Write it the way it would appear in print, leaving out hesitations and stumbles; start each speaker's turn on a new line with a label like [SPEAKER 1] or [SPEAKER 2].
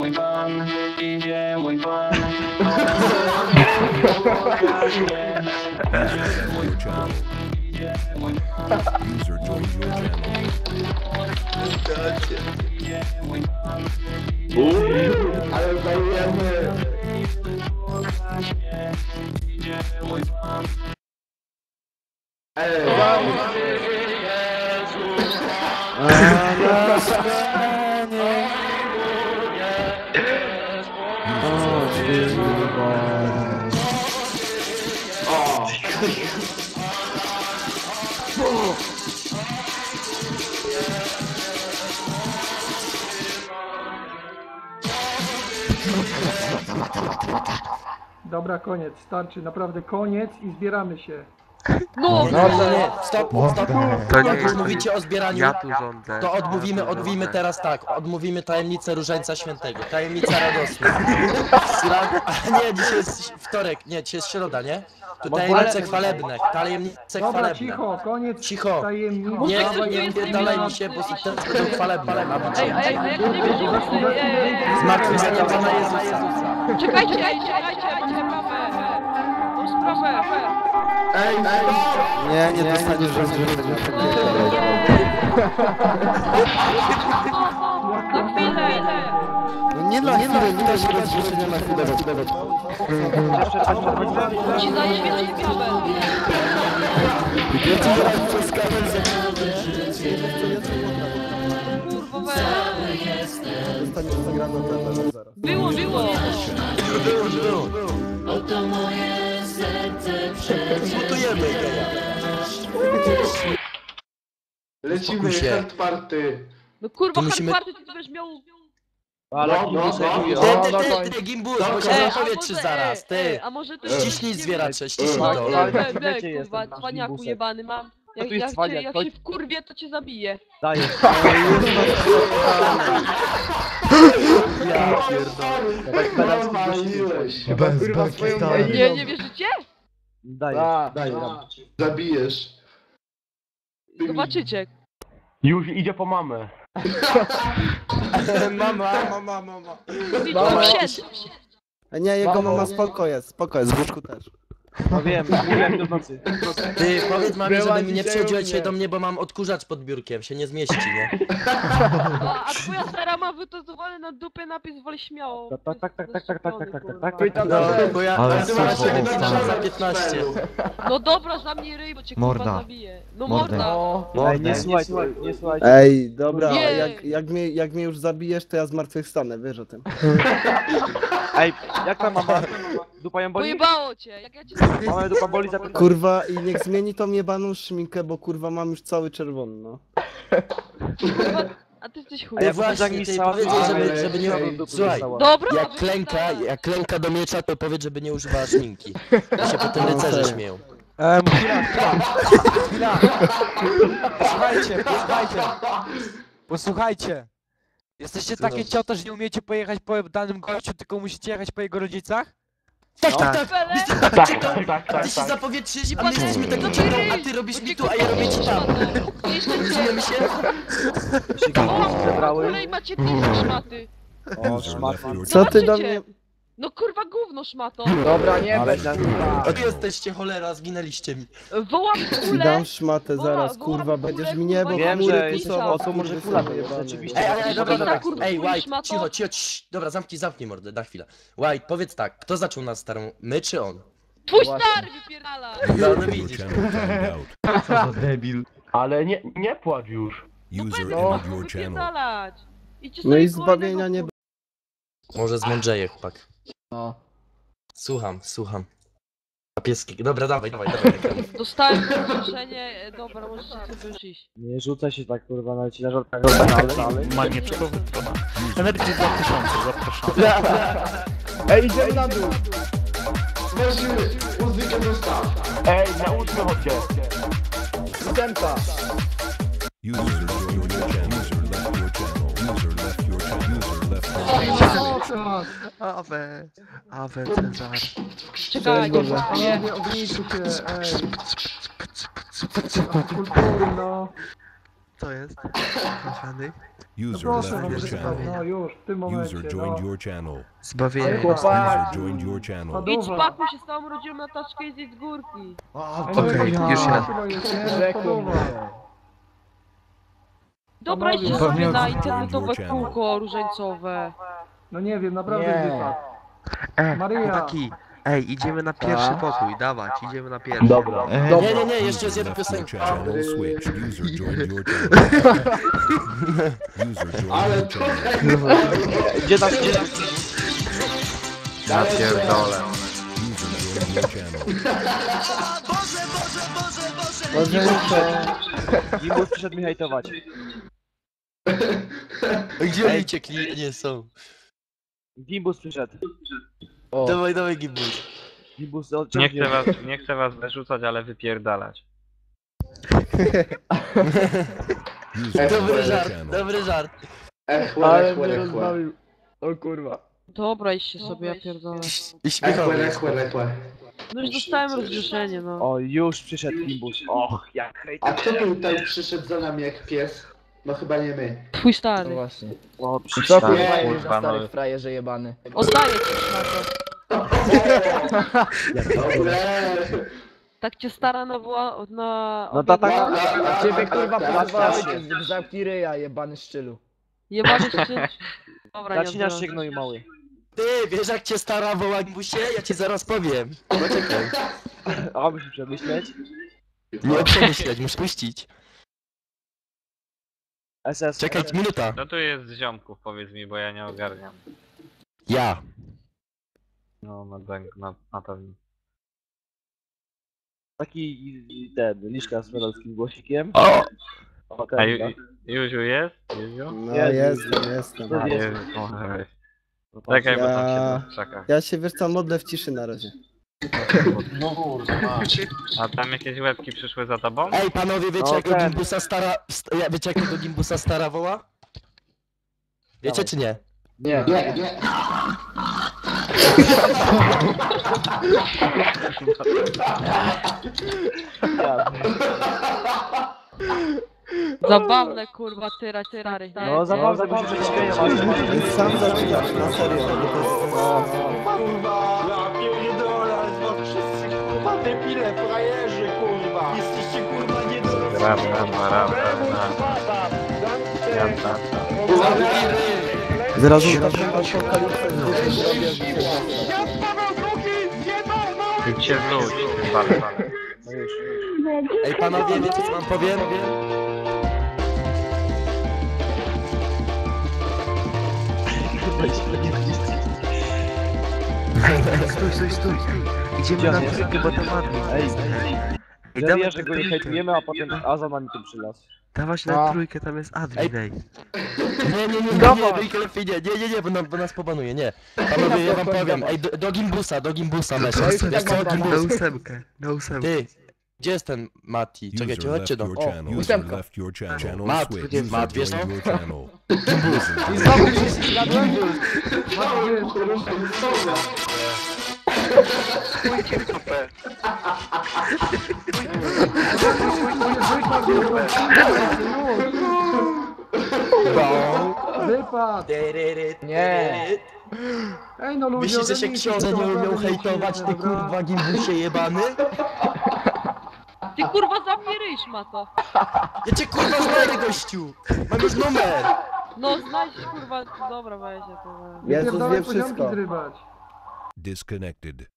[SPEAKER 1] mój pan, idzie mój pan.
[SPEAKER 2] User joined your channel.
[SPEAKER 3] Ale zajmujemy.
[SPEAKER 4] Dobra, koniec, starczy, naprawdę koniec i zbieramy się.
[SPEAKER 5] No,
[SPEAKER 6] No to nie, stop.
[SPEAKER 7] To nie
[SPEAKER 6] Jak już
[SPEAKER 7] jest-
[SPEAKER 6] mówicie o zbieraniu,
[SPEAKER 7] Ja tu rządzę.
[SPEAKER 6] to odmówimy teraz tak. Odmówimy tajemnicę Różańca Świętego. Tajemnica radosna. Nie, dzisiaj jest wtorek, nie, dzisiaj jest środa, nie? To tajemnice chwalebne, tajemnice
[SPEAKER 4] Dobra,
[SPEAKER 6] chwalebne.
[SPEAKER 4] cicho, koniec
[SPEAKER 6] Cicho.
[SPEAKER 4] tajemnic.
[SPEAKER 6] Nie wpierdalaj mi się, bo teraz będą chwalebne.
[SPEAKER 5] Ej, a jak nie wiesz,
[SPEAKER 6] Zmartwychwstanie Pana Jezusa.
[SPEAKER 5] czekajcie, sprawę. Tą sprawę.
[SPEAKER 3] Nie dostaniesz rozwiązania.
[SPEAKER 5] Na chwilę.
[SPEAKER 3] No nie na chwilę, nie da się rozwiązania na chwilę.
[SPEAKER 5] Ci daję więcej sprawę.
[SPEAKER 3] Ja ci zaraz przez kabel
[SPEAKER 5] Kurwa, weź.
[SPEAKER 3] zostaniesz zagrany na kabel zaraz.
[SPEAKER 5] Było.
[SPEAKER 6] Zbutujemy geja.
[SPEAKER 3] Lecimy,
[SPEAKER 6] się.
[SPEAKER 3] hard party.
[SPEAKER 5] No kurwa,
[SPEAKER 6] To musimy-
[SPEAKER 5] hardparty ty będziesz miał...
[SPEAKER 6] Ty, Gimbus, bo się zapowiedz zaraz, ty.
[SPEAKER 5] A może to...
[SPEAKER 6] Ściśnij zwieracze, ściśnij
[SPEAKER 5] No,
[SPEAKER 6] to.
[SPEAKER 5] kurwa, cwaniaku jebany mam. Jak się wkurwię, to cię zabiję. Nie wierzycie?
[SPEAKER 3] Daj. Zabijesz.
[SPEAKER 5] Zobaczycie.
[SPEAKER 8] Już idzie po mamę.
[SPEAKER 3] Mama.
[SPEAKER 5] Widzicie, wsiedź.
[SPEAKER 3] Nie, jego mama spoko jest, w łóżku też.
[SPEAKER 8] No wiem, mówiłem do nocy.
[SPEAKER 6] Ty, powiedz mamie, żeby mi nie przychodziła dzisiaj do mnie, bo mam odkurzacz pod biurkiem, się nie zmieści, nie?
[SPEAKER 5] A twoja stara ma wytozowany na dupę napis woli śmiało.
[SPEAKER 8] Tak.
[SPEAKER 6] No, bo ja
[SPEAKER 7] Ale
[SPEAKER 6] nazywa
[SPEAKER 7] super,
[SPEAKER 6] się
[SPEAKER 7] stary.
[SPEAKER 6] za 15.
[SPEAKER 5] No dobra, zamknij ryj, bo cię kurwa
[SPEAKER 7] Morda.
[SPEAKER 5] zabiję. No
[SPEAKER 7] Morda.
[SPEAKER 5] morda.
[SPEAKER 8] Nie słuchaj.
[SPEAKER 3] Ej, dobra,
[SPEAKER 5] Nie.
[SPEAKER 3] jak mnie już zabijesz, to ja zmartwychwstanę, wiesz o tym.
[SPEAKER 8] Ej, jak tam mama? Dupa ją boli?
[SPEAKER 5] Pojebało cię, jak ja cię
[SPEAKER 8] Mama dupa boli za
[SPEAKER 3] Kurwa, i niech zmieni tą jebaną szminkę, bo kurwa mam już cały czerwony, no.
[SPEAKER 5] kurwa... A ty jesteś chuj.
[SPEAKER 8] A ja
[SPEAKER 6] No właśnie,
[SPEAKER 8] mi
[SPEAKER 6] ty
[SPEAKER 8] stała-
[SPEAKER 6] powiedz jej, żeby nie... Słuchaj,
[SPEAKER 5] Dobra,
[SPEAKER 6] jak klęka do miecza, to powiedz, żeby nie używała szminki. To się potem rycerze śmieją.
[SPEAKER 9] Chwila. Posłuchajcie. Jesteście takie cioto, że nie umiecie pojechać po danym gościu, tylko musicie jechać po jego rodzicach?
[SPEAKER 6] Tak.
[SPEAKER 8] Tak.
[SPEAKER 6] Ty się zapowietrzysz i pan jesteśmy tak czego, a ty robisz mi tu, a ja robię ci tam. Rozumiemy się?
[SPEAKER 5] O, kolej macie pizza szmaty.
[SPEAKER 2] User left your
[SPEAKER 3] Co ty do
[SPEAKER 5] Zobaczycie.
[SPEAKER 3] mnie...
[SPEAKER 5] No kurwa gówno szmato.
[SPEAKER 8] Dobra, nie
[SPEAKER 6] A wy jesteście cholera, zginęliście mi.
[SPEAKER 5] Wołam kulę.
[SPEAKER 3] Dam szmatę zaraz,
[SPEAKER 5] Wołam
[SPEAKER 3] kurwa,
[SPEAKER 5] kulę,
[SPEAKER 3] będziesz mi niebo
[SPEAKER 5] kurwa,
[SPEAKER 8] Wiem,
[SPEAKER 3] chmury
[SPEAKER 8] że
[SPEAKER 3] pisował,
[SPEAKER 8] to może
[SPEAKER 3] kurwy
[SPEAKER 8] kula
[SPEAKER 3] sobie
[SPEAKER 8] to jest,
[SPEAKER 3] jebany.
[SPEAKER 8] rzeczywiście.
[SPEAKER 6] Ej, dobra.
[SPEAKER 5] kurwa,
[SPEAKER 6] Ej, White,
[SPEAKER 5] szmato.
[SPEAKER 6] cicho. Dobra, zamknij mordę, na chwilę. White, powiedz tak, kto zaczął nas starą? My czy on?
[SPEAKER 5] Twój stary wypierdala.
[SPEAKER 6] No
[SPEAKER 2] Your
[SPEAKER 6] widzisz.
[SPEAKER 2] channel timed out.
[SPEAKER 7] Debil.
[SPEAKER 8] Ale nie płacz już.
[SPEAKER 2] User
[SPEAKER 5] Będę
[SPEAKER 2] entered
[SPEAKER 5] mógł
[SPEAKER 2] your channel.
[SPEAKER 5] wypierdalać. Idźcie
[SPEAKER 3] No
[SPEAKER 5] sobie
[SPEAKER 3] i
[SPEAKER 5] koło
[SPEAKER 3] zbawienia
[SPEAKER 5] innego,
[SPEAKER 3] nie...
[SPEAKER 6] Może zmądrzeje, chłopak.
[SPEAKER 3] No.
[SPEAKER 6] Słucham. A pieski, dobra, dawaj.
[SPEAKER 5] Dostałem zaproszenie, dobra, możecie sobie już iść.
[SPEAKER 8] Nie rzucaj się tak kurwa, nawet ci na żartach
[SPEAKER 10] Manieczkowy to ma. Energii 2000, zapraszam.
[SPEAKER 8] Ej, idziemy na dół!
[SPEAKER 3] Weźmy muzykę dostaw.
[SPEAKER 8] Ej, nauczmy chodźcie! Ósemka!
[SPEAKER 2] User joined your channel. User left your channel. User left your channel.
[SPEAKER 7] Awe, Cezar.
[SPEAKER 5] Czekaj,
[SPEAKER 4] Panowie, ognijcie się, ej. Kultury, no.
[SPEAKER 7] Co jest? Kochany?
[SPEAKER 2] User
[SPEAKER 4] Proszę
[SPEAKER 2] left
[SPEAKER 4] wam
[SPEAKER 2] your
[SPEAKER 4] przeczytać,
[SPEAKER 2] channel.
[SPEAKER 4] no już, w tym momencie,
[SPEAKER 2] User
[SPEAKER 4] no.
[SPEAKER 2] joined your channel.
[SPEAKER 7] Zbawienie.
[SPEAKER 2] User joined your channel.
[SPEAKER 5] Idź
[SPEAKER 4] Spadowa.
[SPEAKER 5] pakuj się z całą rodziną na taczkę i zjedź z górki.
[SPEAKER 4] Ej, no
[SPEAKER 7] Okej,
[SPEAKER 4] jakaś
[SPEAKER 7] już
[SPEAKER 4] mała
[SPEAKER 7] ja.
[SPEAKER 4] chyba jest, nie? Spadowa.
[SPEAKER 5] Dobra, idźcie
[SPEAKER 4] Panowie.
[SPEAKER 5] sobie na
[SPEAKER 2] Panowie.
[SPEAKER 5] internetowe kółko różańcowe.
[SPEAKER 4] No nie wiem, naprawdę wypadł. Maria.
[SPEAKER 7] Chłopaki. Ej, idziemy na pierwszy pokój, dawać, idziemy na pierwszy. Dobra.
[SPEAKER 6] Nie, jeszcze jest jedna
[SPEAKER 2] User left your
[SPEAKER 6] piosenka.
[SPEAKER 2] channel switch. User joined your channel. User joined your channel.
[SPEAKER 8] Gdzie tam,
[SPEAKER 7] Ja pierdolę.
[SPEAKER 2] User joined your channel.
[SPEAKER 8] Gimbus przyszedł mi hejtować.
[SPEAKER 6] Gdzie oni uciekli? Nie są.
[SPEAKER 8] Gimbus przyszedł.
[SPEAKER 6] Dawaj Gimbus.
[SPEAKER 8] Gimbus
[SPEAKER 1] Nie chcę was wyrzucać, ale wypierdalać.
[SPEAKER 2] User
[SPEAKER 6] Dobry
[SPEAKER 2] joined your
[SPEAKER 6] żart,
[SPEAKER 2] channel.
[SPEAKER 6] dobry żart.
[SPEAKER 3] Ale mnie rozbawił. O kurwa.
[SPEAKER 5] Dobra, idźcie sobie, ja pierdolę.
[SPEAKER 6] I śmiechowy.
[SPEAKER 5] No już dostałem rozgrzeszenie, no.
[SPEAKER 8] O, już przyszedł Gimbus. Och, jak hejt.
[SPEAKER 11] A kto tutaj przyszedł za nami jak pies? No chyba nie my.
[SPEAKER 5] Twój stary.
[SPEAKER 11] właśnie.
[SPEAKER 8] O,
[SPEAKER 11] Co
[SPEAKER 8] przyszedł.
[SPEAKER 1] kurwa, no.
[SPEAKER 11] frajerze jebany.
[SPEAKER 5] Oddaję ci na to. Tak cię stara nawoła na...
[SPEAKER 8] No ta taka...
[SPEAKER 11] A ciebie kurwa
[SPEAKER 8] pozwałeś,
[SPEAKER 11] zamknij ryja, jebany szczylu.
[SPEAKER 5] Jebany szczyt. Dobra, nie
[SPEAKER 8] Zacinasz się
[SPEAKER 5] odbieram.
[SPEAKER 8] gnoju mały.
[SPEAKER 6] Ty, wiesz jak cię stara woła Gimbusie? Ja ci zaraz powiem. Poczekaj.
[SPEAKER 8] A, muszę przemyśleć.
[SPEAKER 6] Nie przemyśleć, muszę puścić.
[SPEAKER 8] SS.
[SPEAKER 6] Czekaj, minuta.
[SPEAKER 1] No tu jest z ziomków, powiedz mi, bo ja nie ogarniam.
[SPEAKER 6] Ja.
[SPEAKER 1] No, na pewno.
[SPEAKER 8] Taki ten, liszka z medalskim głosikiem.
[SPEAKER 6] O!
[SPEAKER 8] O,
[SPEAKER 1] A
[SPEAKER 8] ten,
[SPEAKER 1] Juziu jest? Juziu?
[SPEAKER 3] No
[SPEAKER 8] Jezu.
[SPEAKER 3] jestem.
[SPEAKER 8] To jest.
[SPEAKER 1] Jezu, może weź. Czekaj, bo tam
[SPEAKER 3] Ja-
[SPEAKER 1] się czeka.
[SPEAKER 3] Ja się wiesz co, modlę w ciszy na razie.
[SPEAKER 1] A tam jakieś łebki przyszły za tobą?
[SPEAKER 6] Ej, panowie, wiecie
[SPEAKER 8] No,
[SPEAKER 6] jak
[SPEAKER 8] ten.
[SPEAKER 6] Gimbusa stara... Wiecie jak tego Gimbusa stara woła? Wiecie czy nie?
[SPEAKER 11] Nie.
[SPEAKER 5] Zabawne kurwa, stary.
[SPEAKER 8] No, zabawne, bo się prześmieją, ale...
[SPEAKER 3] Sam zaczynasz, na serio, bo to jest... Zaraz taką apokalipsę zrobię.
[SPEAKER 1] Idźcie w ludź, wale.
[SPEAKER 6] Ej, panowie, wiecie co wam powiem?
[SPEAKER 7] Stój. Idziemy na trójkę, bo to ładnie.
[SPEAKER 8] Ej,
[SPEAKER 7] Ej,
[SPEAKER 8] ja
[SPEAKER 7] dawaj
[SPEAKER 8] wiem, że go nie
[SPEAKER 7] trójkę.
[SPEAKER 8] hejtujemy, a potem A za nami tu przylazł.
[SPEAKER 7] Dawać na trójkę, tam jest admin, ej.
[SPEAKER 6] Nie, bo nas pobanuje, nie. Panowie, ja wam powiem, ej, do Gimbusa meszę. Wiesz co,
[SPEAKER 7] Na
[SPEAKER 6] Gimbus?
[SPEAKER 7] ósemkę, na ósemkę.
[SPEAKER 6] Ty, gdzie jest ten Mati? Czekajcie,
[SPEAKER 2] User
[SPEAKER 6] chodźcie
[SPEAKER 2] left
[SPEAKER 6] do...
[SPEAKER 2] your channel. User
[SPEAKER 11] ósemka.
[SPEAKER 2] left your channel.
[SPEAKER 6] Mat,
[SPEAKER 2] Switch.
[SPEAKER 6] gdzie jest
[SPEAKER 2] User
[SPEAKER 6] Mat, wiesz
[SPEAKER 2] joined
[SPEAKER 6] no?
[SPEAKER 2] your channel.
[SPEAKER 11] I znowu się zgadłem?
[SPEAKER 4] Wypadł!
[SPEAKER 11] Nie.
[SPEAKER 4] Ej no ludzie,
[SPEAKER 6] Myślisz, że się
[SPEAKER 4] ogarnijcie
[SPEAKER 6] książę
[SPEAKER 4] to,
[SPEAKER 6] nie umiał
[SPEAKER 4] naprawdę
[SPEAKER 6] hejtować, ty
[SPEAKER 4] dobra?
[SPEAKER 6] kurwa Gimbusie jebany?
[SPEAKER 5] Ty kurwa zamknij ryj, szmato.
[SPEAKER 6] Ja cię kurwa znajdę, gościu! Mam już numer!
[SPEAKER 5] No znajdź kurwa, dobra weź ja to.
[SPEAKER 3] Jezus
[SPEAKER 4] Pierdolę
[SPEAKER 3] wie
[SPEAKER 4] poziomki
[SPEAKER 3] wszystko.
[SPEAKER 4] zrybać.
[SPEAKER 2] Disconnected.